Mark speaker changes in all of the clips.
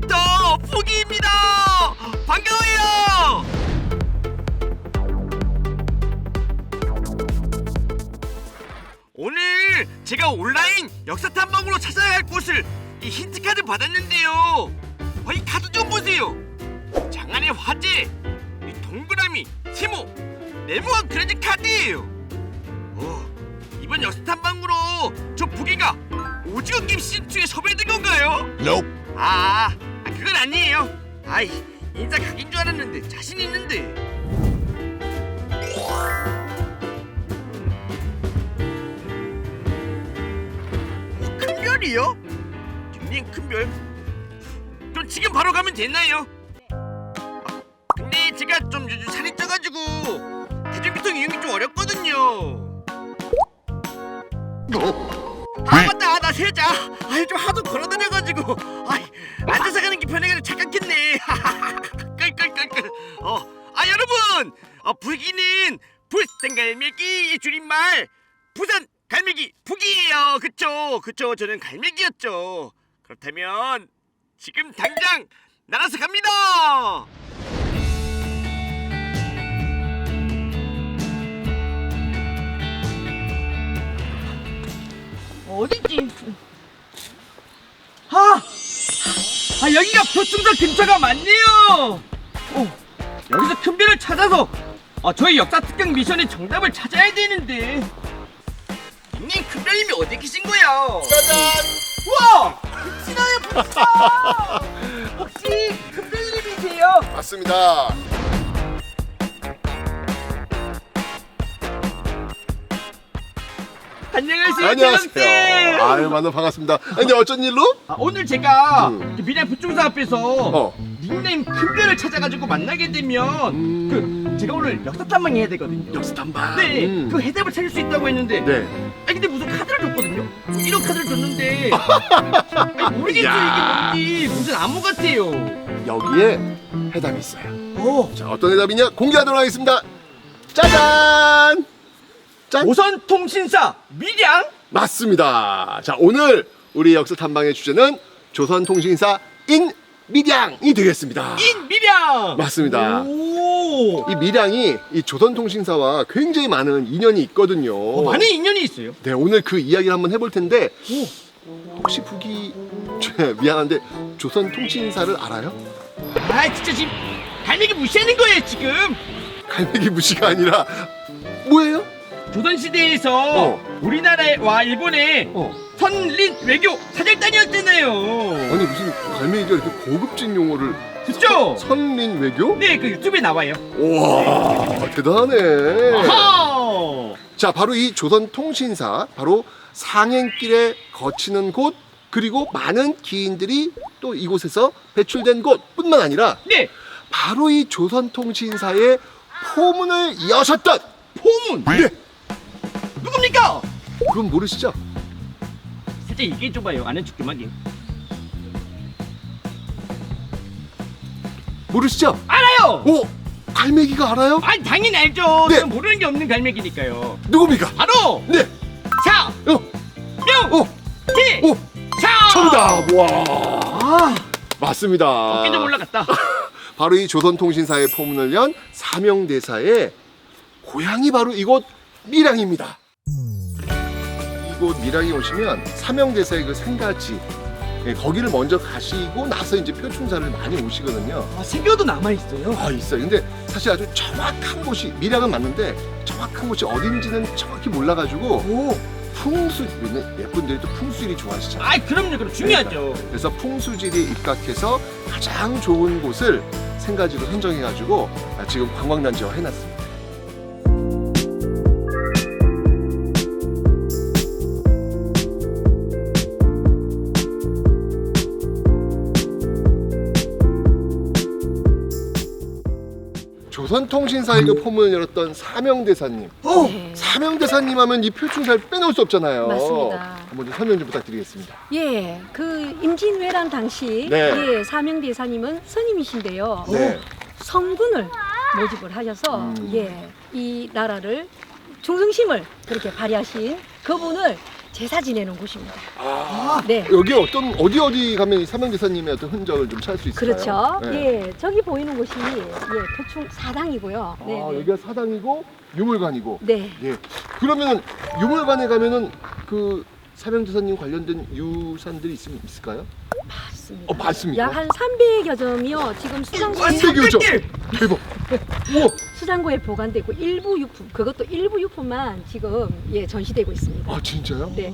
Speaker 1: 저 부기입니다. 반가워요. 오늘 제가 온라인 역사 탐방으로 찾아야 할 곳을 이 힌트 카드 받았는데요. 이 카드 좀 보세요. 장안의 화재, 이 동그라미, 세모, 네모한 크레딧 카드예요. 이번 역사 탐방으로 저 부기가 오징어 게임 시즌 2에 섭외된 건가요?
Speaker 2: Nope.
Speaker 1: 그건 아니에요. 인사 각인 줄 알았는데 자신 있는데. 큰 별이요? 닉네임 큰 별? 그럼 지금 바로 가면 되나요? 근데 제가 좀 요즘 살이 쪄가지고 대중교통 이용이 좀 어렵거든요. 맞다, 나 세자. 좀 하도 걸어다녀가지고 앉아서 가는 게 편해가지고 착각했네. 끌끌끌끌. 여러분, 부기는 부산 갈매기의 줄임말 부산 갈매기 부기예요. 그쵸. 저는 갈매기였죠. 그렇다면 지금 당장 날아서 갑니다.
Speaker 3: 어딨지? 여기가 표충사 근처가 맞네요. 여기서 큰 별을 찾아서 저희 역사 특강 미션의 정답을 찾아야 되는데.
Speaker 1: 닉네임 큰 별님이 어디 계신 거예요?
Speaker 2: 짜잔.
Speaker 3: 우와! 붙이나요, 붙이나! 혹시 큰 별님이세요?
Speaker 2: 맞습니다.
Speaker 3: 안녕하세요,
Speaker 2: 안녕하세요.
Speaker 3: 대형쌤.
Speaker 2: 아유, 만나 반갑습니다. 근데 어쩐 일로?
Speaker 3: 오늘 제가 미래 부충사 앞에서
Speaker 2: 어.
Speaker 3: 닉네임 큰 별을 찾아가지고 만나게 되면 제가 오늘 역사 탐방 해야 되거든요.
Speaker 2: 역사 탐방.
Speaker 3: 네, 그 해답을 찾을 수 있다고 했는데.
Speaker 2: 네.
Speaker 3: 근데 무슨 카드를 줬거든요. 이런 카드를 줬는데 모르겠어요.
Speaker 2: 야.
Speaker 3: 이게 뭔지 무슨 암호 같아요.
Speaker 2: 여기에 해답이 있어요. 자, 어떤 해답이냐 공개하도록 하겠습니다. 짜잔. 짠.
Speaker 3: 조선통신사 밀양.
Speaker 2: 맞습니다. 자, 오늘 우리 역사 탐방의 주제는 조선통신사 인밀양이 되겠습니다.
Speaker 3: 인밀양.
Speaker 2: 맞습니다.
Speaker 3: 오.
Speaker 2: 이 밀양이 이 조선통신사와 굉장히 많은 인연이 있거든요.
Speaker 3: 많은 인연이 있어요.
Speaker 2: 네, 오늘 그 이야기를 한번 해볼 텐데 혹시 북이 미안한데 조선통신사를 알아요?
Speaker 3: 진짜 지금 갈매기 무시하는 거예요 지금.
Speaker 2: 갈매기 무시가 아니라 뭐예요?
Speaker 3: 조선시대에서 우리나라와 일본의 선린 외교 사절단이었잖아요.
Speaker 2: 아니 무슨 갈매기가 이렇게 고급진 용어를
Speaker 3: 그쵸?
Speaker 2: 선린 외교?
Speaker 3: 네, 그 유튜브에 나와요.
Speaker 2: 와, 대단하네.
Speaker 3: 아하!
Speaker 2: 자, 바로 이 조선통신사, 바로 상행길에 거치는 곳, 그리고 많은 기인들이 또 이곳에서 배출된 곳뿐만 아니라
Speaker 3: 네,
Speaker 2: 바로 이 조선통신사의 포문을 여셨던
Speaker 3: 포문.
Speaker 2: 네,
Speaker 3: 누굽니까?
Speaker 2: 그건 모르시죠?
Speaker 3: 살짝 얘기해 줘봐요. 아는 척 좀 하게.
Speaker 2: 모르시죠?
Speaker 3: 알아요.
Speaker 2: 오, 갈매기가 알아요?
Speaker 3: 당연히 알죠.
Speaker 2: 네.
Speaker 3: 저는 모르는 게 없는 갈매기니까요.
Speaker 2: 누굽니까?
Speaker 3: 바로
Speaker 2: 네,
Speaker 3: 사,
Speaker 2: 어,
Speaker 3: 명,
Speaker 2: 오,
Speaker 3: 티,
Speaker 2: 오,
Speaker 3: 차.
Speaker 2: 정답. 와, 맞습니다.
Speaker 3: 어깨 좀 올라갔다.
Speaker 2: 바로 이 조선통신사의 포문을 연 사명대사의 고향이 바로 이곳 밀양입니다. 이곳 밀양에 오시면 사명대사의 그 생가지, 거기를 먼저 가시고 나서 이제 표충사를 많이 오시거든요.
Speaker 3: 생겨도 남아 있어요.
Speaker 2: 있어요. 근데 사실 아주 정확한 곳이 밀양은 맞는데 정확한 곳이 어딘지는 정확히 몰라가지고 풍수, 예쁜들이 또 풍수일이 좋아하시잖아요.
Speaker 3: 그럼 중요하죠.
Speaker 2: 그래서 풍수지리에 입각해서 가장 좋은 곳을 생가지로 선정해가지고 지금 관광단지화 해놨습니다. 조선통신사의 그 포문을 열었던 사명대사님. 사명대사님 하면 이 표충사를 빼놓을 수 없잖아요.
Speaker 4: 맞습니다.
Speaker 2: 한번 좀 설명 좀 부탁드리겠습니다.
Speaker 4: 예, 그 임진왜란 당시
Speaker 2: 네.
Speaker 4: 사명대사님은 스님이신데요.
Speaker 2: 네.
Speaker 4: 성군을 모집을 하셔서 이 나라를 충성심을 그렇게 발휘하신 그분을 제사 지내는 곳입니다.
Speaker 2: 아,
Speaker 4: 네.
Speaker 2: 여기 어디 가면 이 삼형제사님의 어떤 흔적을 좀 찾을 수 있을까요?
Speaker 4: 그렇죠.
Speaker 2: 네.
Speaker 4: 예, 저기 보이는 곳이 대충 사당이고요. 네,
Speaker 2: 아,
Speaker 4: 네.
Speaker 2: 여기가 사당이고 유물관이고.
Speaker 4: 네.
Speaker 2: 예. 그러면 유물관에 가면은 그 삼형제사님 관련된 유산들이 있을까요?
Speaker 4: 맞습니다.
Speaker 2: 맞습니까?
Speaker 4: 약 한 300여 점이요. 지금 수장고에
Speaker 2: 300여 대박. 우와.
Speaker 4: 수장고에 보관되고 일부 유품, 그것도 일부 유품만 지금 전시되고 있습니다.
Speaker 2: 아, 진짜요?
Speaker 4: 네.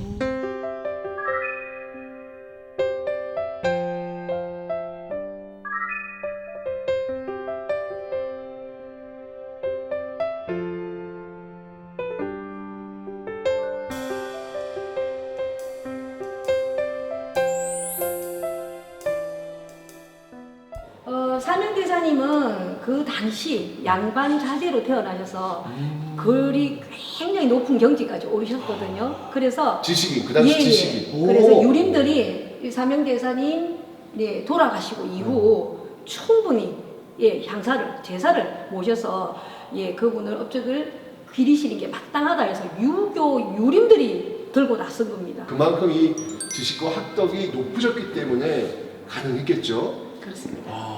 Speaker 4: 삼형대사님은 그 당시 양반 자제로 태어나셔서 글이 굉장히 높은 경지까지 오르셨거든요. 그래서
Speaker 2: 지식인, 그 당시 지식인.
Speaker 4: 그래서
Speaker 2: 오.
Speaker 4: 유림들이 이 삼형대사님 돌아가시고 이후 충분히 향사를 제사를 모셔서 그분을 업적을 기리시는 게 마땅하다 해서 유교 유림들이 들고 나선 겁니다.
Speaker 2: 그만큼 이 지식과 학덕이 높으셨기 때문에 가능했겠죠.
Speaker 4: 그렇습니다.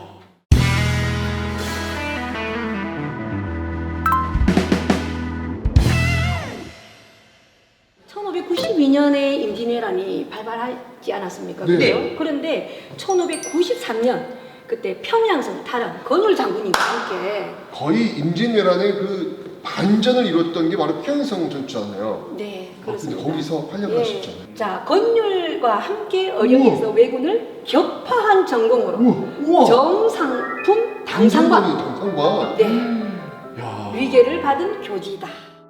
Speaker 4: 1592년에 임진왜란이 발발하지 않았습니까?
Speaker 2: 네.
Speaker 4: 그죠? 그런데 1593년 그때 평양성 탈환 건율 장군님과 함께
Speaker 2: 거의 임진왜란의 그 반전을 이뤘던 게 바로 평양성 전투잖아요.
Speaker 4: 네
Speaker 2: 근데
Speaker 4: 그렇습니다.
Speaker 2: 거기서 활약하셨잖아요.
Speaker 4: 자 건율과 함께 어령에서 왜군을 격파한 전공으로
Speaker 2: 우와.
Speaker 4: 정상품 당상관
Speaker 2: 당상관.
Speaker 4: 네
Speaker 2: 야.
Speaker 4: 위계를 받은 교지다.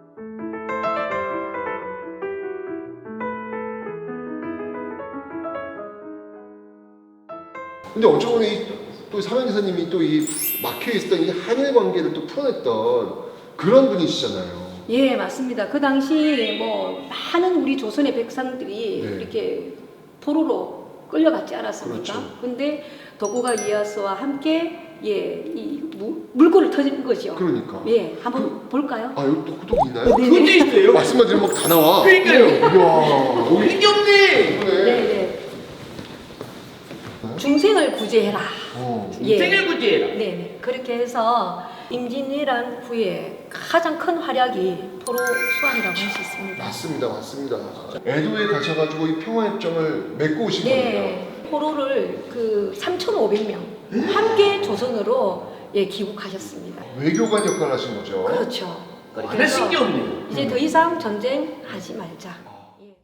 Speaker 2: 근데 어쩌면 또 삼형제사님이 또 이 막혀 있었던 이 한일 관계를 또 풀어냈던 그런 분이시잖아요.
Speaker 4: 예, 맞습니다. 그 당시 뭐 많은 우리 조선의 백성들이
Speaker 2: 네.
Speaker 4: 이렇게 포로로 끌려갔지 않았습니까?
Speaker 2: 그렇죠.
Speaker 4: 근데 도쿠가 이에야스와 함께 이 물꼬를 터진 거죠.
Speaker 2: 그러니까.
Speaker 4: 예, 한번 볼까요?
Speaker 2: 아, 여기 또 구독이 있나요?
Speaker 3: 그게 있어요.
Speaker 2: 말씀만 드리면 막 다 나와.
Speaker 3: 그러니까요.
Speaker 2: 이야. 여기
Speaker 3: 이게 없네.
Speaker 2: 있네.
Speaker 4: 네. 중생을 구제해라. 예.
Speaker 3: 생일 구제해라.
Speaker 4: 네. 그렇게 해서 임진왜란 후에 가장 큰 활약이 포로 수환이라고 할 수 있습니다.
Speaker 2: 맞습니다, 맞습니다. 에도에 가셔가지고 이 평화협정을 맺고 오신 겁니다.
Speaker 4: 네, 포로를 그 3,500명 함께 조선으로 귀국하셨습니다.
Speaker 2: 외교관 역할을 하신 거죠.
Speaker 4: 그렇죠. 그렇게
Speaker 3: 하나
Speaker 4: 해서
Speaker 3: 신기 없네.
Speaker 4: 이제 더 이상 전쟁하지 말자. 예.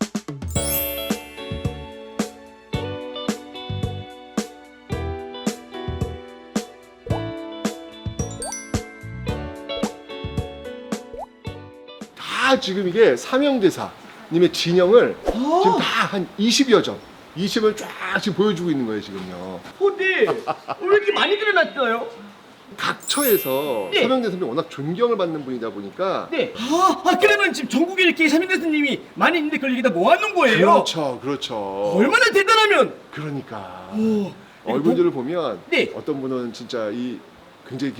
Speaker 2: 다 지금 이게 삼형대사님의 진영을 지금 다 한 20여 점, 20을 쫙 지금 보여주고 있는 거예요, 지금요.
Speaker 3: 근데 왜 이렇게 많이 드러났어요?
Speaker 2: 각 처에서
Speaker 3: 네.
Speaker 2: 삼형대사님이 워낙 존경을 받는 분이다 보니까
Speaker 3: 네. 그러면 지금 전국에 이렇게 삼인대스님이 많이 있는데 그걸 여기다 모아놓은 거예요?
Speaker 2: 그렇죠, 그렇죠.
Speaker 3: 얼마나 대단하면.
Speaker 2: 그러니까
Speaker 3: 오.
Speaker 2: 얼굴들을 보면
Speaker 3: 네.
Speaker 2: 어떤 분은 진짜 이 굉장히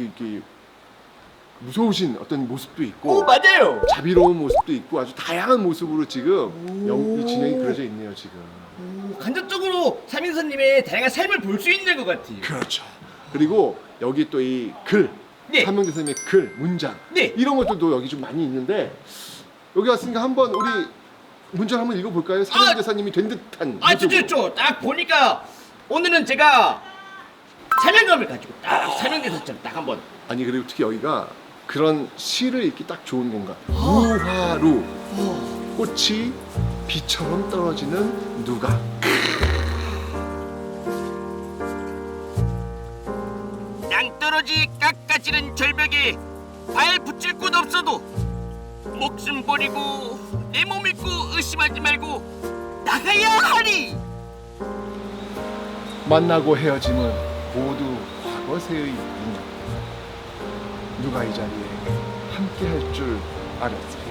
Speaker 2: 무서우신 어떤 모습도 있고
Speaker 3: 맞아요.
Speaker 2: 자비로운 모습도 있고 아주 다양한 모습으로 지금 이 진영이 그려져 있네요, 지금.
Speaker 3: 간접적으로 삼인선님의 다양한 삶을 볼 수 있는 것 같아요.
Speaker 2: 그렇죠. 그리고 여기 또 이 글,
Speaker 3: 네.
Speaker 2: 삼형제사님의 글, 문장
Speaker 3: 네.
Speaker 2: 이런 것들도 여기 좀 많이 있는데 여기 왔으니까 한번 우리 문장 한번 읽어볼까요? 삼형제사님이 된 듯한 모습으로.
Speaker 3: 진짜 딱 보니까 오늘은 제가 사명감을 가지고 딱 사명대사처럼 딱 한번.
Speaker 2: 아니 그리고 특히 여기가 그런 시를 읽기 딱 좋은 공간. 우화루 꽃이 비처럼 떨어지는 누각.
Speaker 1: 낭떠러지 깎아지는 절벽에 발 붙일 곳 없어도 목숨 버리고 내 몸 믿고 의심하지 말고 나가야 하리.
Speaker 2: 만나고 헤어짐은 모두 과거세의 인연. 누가 이 자리에 함께 할 줄 알았어요.